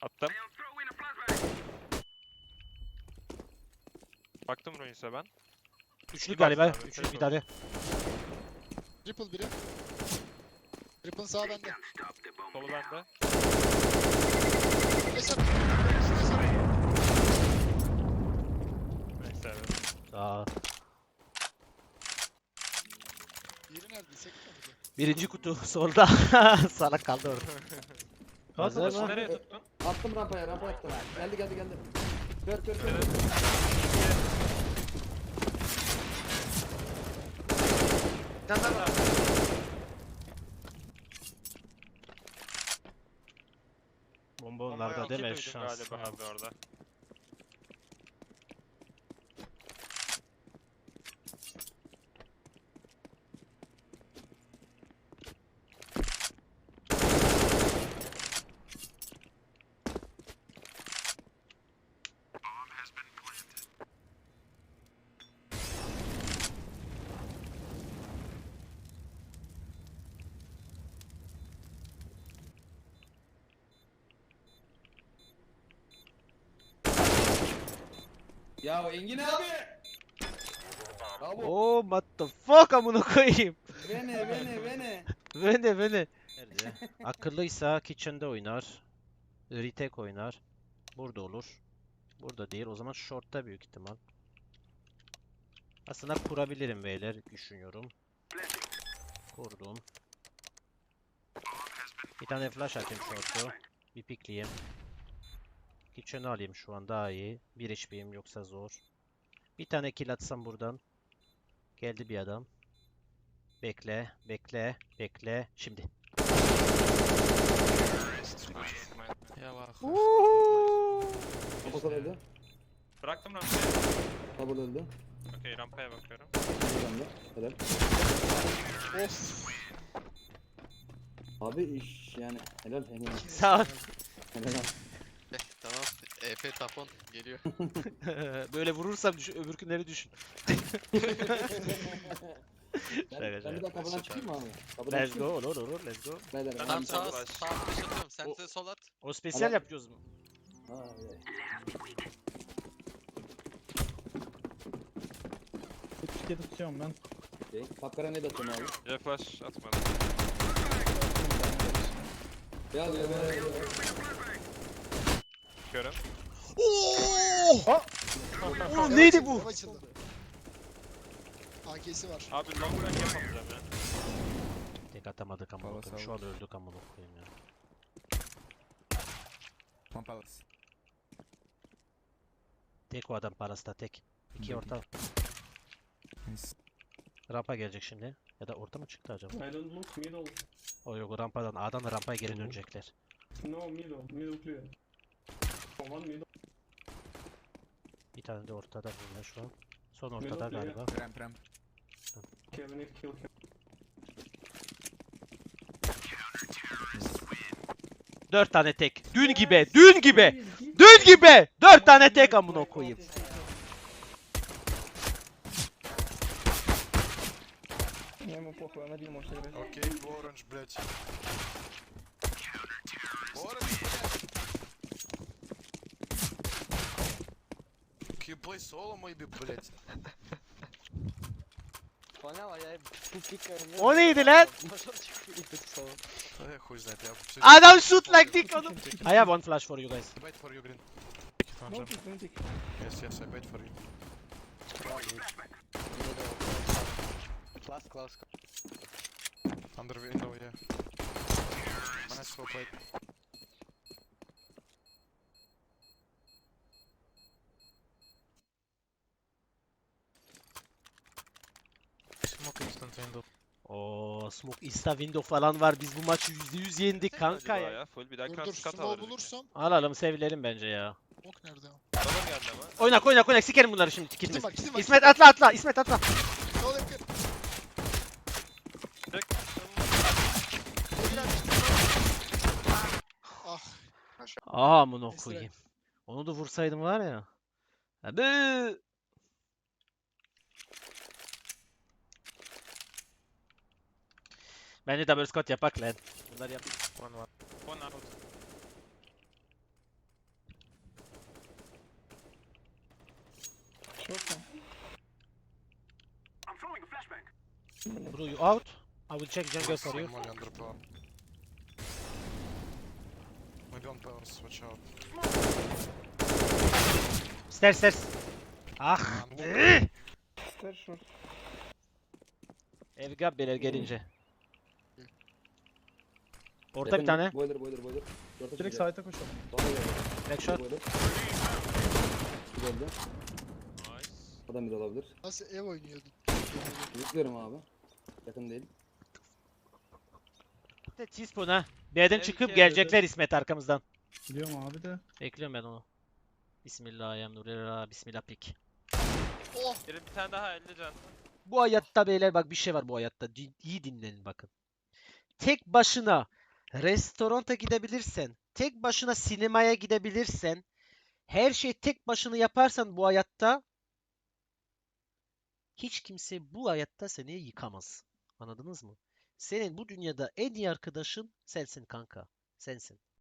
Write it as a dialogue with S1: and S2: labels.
S1: Attım. Baktım Ruins'e ben.
S2: Üçlü
S1: Bir
S2: galiba.
S1: baksana abi,
S2: Üçlü
S1: tek
S2: bir tane.
S3: Triple biri. Triple sağ bende.
S1: Solu bende.
S3: Flash at. Flash at.
S1: Neyse evet.
S2: Aa.
S3: Diğeri nerede? Sekme miydi?
S2: Birinci kutu solda. Salak kaldı orada. Hazır
S1: Başı
S2: mı?
S1: nereye tuttun?
S4: Attım rampaya, rampa attım. Geldi. Kör.
S1: Evet.
S5: Bir tane daha var.
S2: Bomba
S1: Bombayı
S2: onlarda
S1: iki
S2: değil mi?
S1: duydum
S2: Şans.
S1: galiba abi orada.
S4: Ya Engin abi! Bravo.
S2: Oh what the fuck amına koyayım.
S4: Vene.
S2: Beni. Nerede? Akıllıysa kitchen'de oynar. Retake oynar. Burada olur. Burada değil. O zaman short'ta büyük ihtimal. Aslında kurabilirim beyler. Düşünüyorum. Kurdum. Bir tane flash atayım short'u. Bir pikleyeyim. Kitchen'ı alayım şu an daha iyi. Bir HP'yim yoksa zor. Bir tane kill atsam buradan. Geldi bir adam. Bekle. Şimdi.
S1: Ya bak.
S4: Kapı öldü.
S1: Bıraktım rampayı.
S4: Double öldü.
S1: Okey rampaya bakıyorum.
S4: Buradan da. Helal.
S3: Of.
S4: Abi iş yani. Helal Engin.
S2: Sağ ol.
S4: Helal.
S5: Tamam. EP tapon geliyor.
S2: Böyle vurursam öbür günleri düşün.
S4: Ben bir daha kapıdan çıkayım mı abi? Kapıdan
S2: Let's
S4: çıkayım
S2: go,
S4: mı?
S2: olur, let's go.
S4: Beyler.
S1: Ben
S5: Tam
S1: de
S5: sağ
S1: flash.
S5: flash atıyorum. Sen
S2: O-
S5: de sol at.
S2: O spesyal
S4: Ama-
S2: yapıyoruz mu?
S4: Ha, evet.
S6: Türkiye'de tutuyorum ben.
S4: Okey. Kapkara ne de atıyorum abi?
S1: Ya flash atmadım.
S4: Ya.
S1: Görüm.
S2: Oğlum neydi bu?
S3: Ev açıldı. AK'si var.
S1: Abi long range yapamayacağım ya.
S2: Tek atamadık amına koyayım. Şu an öldük amına koyayım ya.
S7: One palace.
S2: Tek o adam parası da tek. İki orta.
S7: Nice.
S2: Rampa gelecek şimdi. Ya da orta mı çıktı acaba?
S6: I don't look middle.
S2: O yok rampadan. A'dan rampaya geri dönecekler.
S6: No middle. Middle clear. One middle.
S2: Bir tane de ortada bunlar şu an. Son ortada
S6: Middle clear.
S2: galiba.
S7: Ramp.
S6: Kevin if kill him.
S2: 4 tane tek. Dün gibi. Dün gibi. 4 tane tek amına koyayım.
S7: Окей, orange, блядь. Orange, блядь. Can you play solo maybe, блядь?
S2: O neydi lan?
S7: Хуй знает, я всё-
S2: Adam shoot like dick oğlum. I have one flash for you guys.
S7: Wait for you, green.
S6: No pick, no pick.
S7: Yes, I wait for you.
S5: Close.
S7: Under window, yeah. Nice slow play. Smoke instant window.
S2: Oo, smoke insta window falan var. Biz bu maçı %100 yendik kanka
S1: Acaba
S2: ya.
S1: Full bir daha
S3: Dur
S1: kat
S3: smoke
S1: alırız.
S3: bulursam.
S2: Alalım sevilelim bence ya.
S3: Ok nerede o?
S1: Adam geldi ama.
S2: Oynak sikerim bunları şimdi
S3: Kitim
S2: kilimiz.
S3: var kitim var.
S2: İsmet atla İsmet atla.
S3: Sol yakın.
S1: Tek.
S3: Evler. Ah.
S2: Aa amına
S3: Esra.
S2: koyayım. Onu da vursaydım var ya. Abi. Bence double squat yapak lan. Bunlar yap.
S1: One out.
S4: Short lan.
S2: Bro, you out? I will check jungle for you.
S7: Molly under power. Maybe on powers, watch out.
S2: Stairs, stairs. Ah.
S6: Stairs short.
S2: Ev gabbeler gelince. Orta bir
S4: Yakın,
S2: tane.
S4: Boiler. Short'a
S6: Direkt
S4: çıkacak.
S6: side'e koşalım.
S4: Bana geldi.
S2: Backshot.
S4: Boiler. Bir öldü.
S1: Nice.
S4: Adam bir de olabilir.
S3: Nasıl ev oynuyordun?
S4: Yüklerim abi. Yakın değil.
S2: Teaspoon ha. B'den
S1: Evet,
S2: çıkıp
S1: evet,
S2: gelecekler İsmet arkamızdan.
S6: Biliyorum abi de.
S2: Bekliyorum ben onu. Bismillahirrahmanirrahim. Bismillah pik.
S3: Oh!
S1: Bir tane daha 50 can.
S2: Bu hayatta beyler bak bir şey var bu hayatta. İyi dinlenin bakın. Tek başına restoranta gidebilirsen, tek başına sinemaya gidebilirsen, her şeyi tek başına yaparsan bu hayatta hiç kimse bu hayatta seni yıkamaz. Anladınız mı? Senin bu dünyada en iyi arkadaşın sensin kanka. Sensin.